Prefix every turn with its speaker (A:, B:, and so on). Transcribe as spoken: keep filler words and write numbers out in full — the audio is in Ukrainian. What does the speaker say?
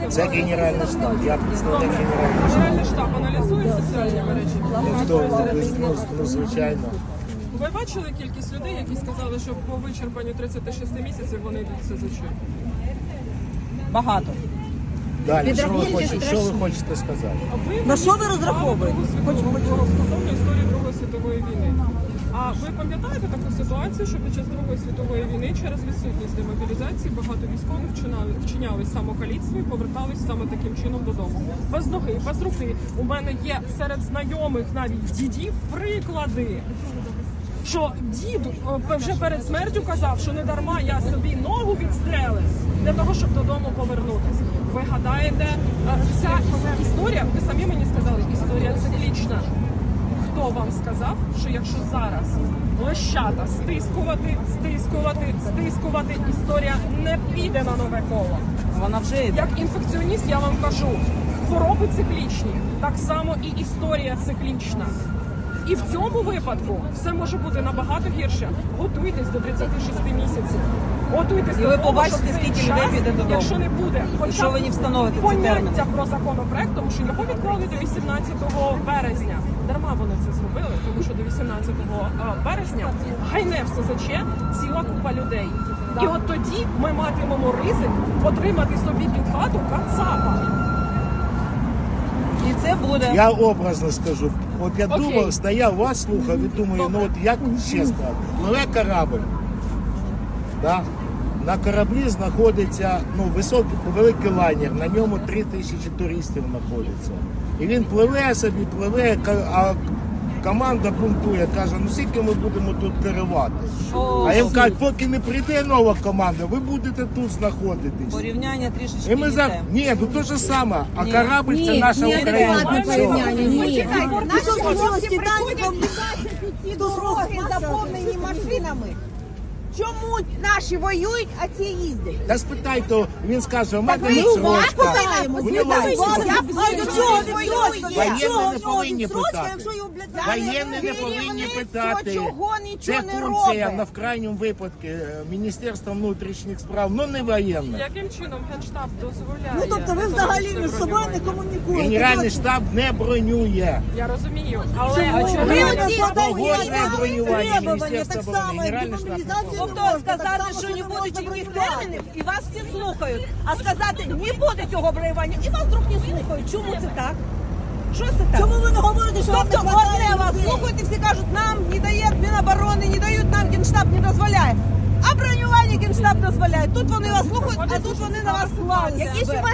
A: Це Генеральний штаб. Я представник Генерального штабу.
B: Генеральний штаб аналізує соціальні мережі?
A: Хто? Ну, ну, звичайно.
B: Ви бачили кількість людей, які сказали, що по вичерпанню тридцяти шести місяців вони йдуть в СЗЧ?
C: Багато.
A: Далі, що ви хочете, що ви хочете сказати?
B: Ви
C: На що ви
B: мені
C: розраховуєте?
B: цікаво Другу світову стосовно історії Другої світової війни. А ви пам'ятаєте таку ситуацію, що під час Другої світової війни через відсутність демобілізації багато військових вчинали, вчиняли самокаліцтво і повертались саме таким чином додому? Без ноги, без руки. У мене є серед знайомих навіть дідів приклади, що дід е, вже перед смертю казав, що не дарма я собі ногу відстрелив для того, щоб додому повернутися. Ви гадаєте, е, ця історія, ви самі мені сказали, історія циклічна. Хто вам сказав, що якщо зараз лещата стискувати, стискувати, стискувати, історія не піде на нове коло?
C: Вона вже йде.
B: Як інфекціоніст я вам кажу, хвороби циклічні, так само і історія циклічна. І в цьому випадку все може бути набагато гірше. Готуйтесь до тридцяти шести місяців. Готуйтесь
C: І
B: до
C: ви
B: того,
C: побачите,
B: що цей
C: скільки
B: час,
C: людей піде додому.
B: якщо не буде хоча
C: що
B: б
C: ви не встановите ці терміни?
B: поняття про законопроект, тому що його відклали до вісімнадцятого березня. Дарма вони це зробили, тому що до вісімнадцятого березня гайне в СЗЧ ціла купа людей. І от тоді ми матимемо ризик отримати собі під хату кацапа.
C: І це буде.
A: Я образно скажу. От я
B: Окей.
A: думав, стояв, вас слухав і думаю, ну от як ще сказати. Пливе корабль. Да? На кораблі знаходиться ну, високий, великий лайнер, на ньому три тисячі туристів знаходиться. І він пливе собі, пливе, а команда бунтує, каже, ну скільки ми будемо тут керувати.
C: О,
A: А їм кажуть, поки не прийде нова команда, ви будете тут знаходитись.
C: порівняння трішечки
A: І ми за...
C: не те.
A: Ні, ну то же саме, а
C: Ні.
A: корабль це наша
C: ні,
A: Україна.
C: адекватне
A: Все.
C: порівняння, ні.
D: Наші хлопці Титаніком ці дороги заповнені машинами. Чому наші воюють, а ці їздять?
A: Та спитайте, він скаже, у мене
D: Ми
A: відсрочка.
D: питаємо,
A: У нього відсрочка.
D: Я до чого воює?
A: Воєнні не повинні питати. Воєнні не повинні питати.
D: Чого
A: Це
D: нічого не
A: функція, на
D: робить?
A: в крайньому випадку, Міністерства внутрішніх справ, ну не воєнна.
B: Яким чином Генштаб дозволяє?
E: Ну, тобто ви взагалі між собою не комунікуєте.
A: Генеральний штаб не бронює.
B: Я розумію, але
E: Чому?
B: чому
E: Ви
B: ви
E: оці
A: Погоджує
E: подаєте
A: бронювання
E: требування,
A: Міністерства
E: так
A: оборони,
E: само, як
A: Генеральний штаб.
E: демобілізацію
C: Тобто
E: не можна,
C: сказати,
E: так само,
C: що не
E: не
C: буде
E: можна
C: ніяких
E: бронювати.
C: термінів, і вас всі слухають. А сказати, не буде цього бронювання, і вас вдруг не слухають. Чому це так? Що це так?
E: Чому ви не говорите, що вам не
C: Тобто
E: хватає
C: одне вас
E: людей?
C: слухають і всі кажуть, нам не дає Міноборони, не дають нам, Генштаб не дозволяє. А бронювання Генштаб дозволяє. Тут вони вас слухають, а тут вони на вас клають.
B: Якісь у вас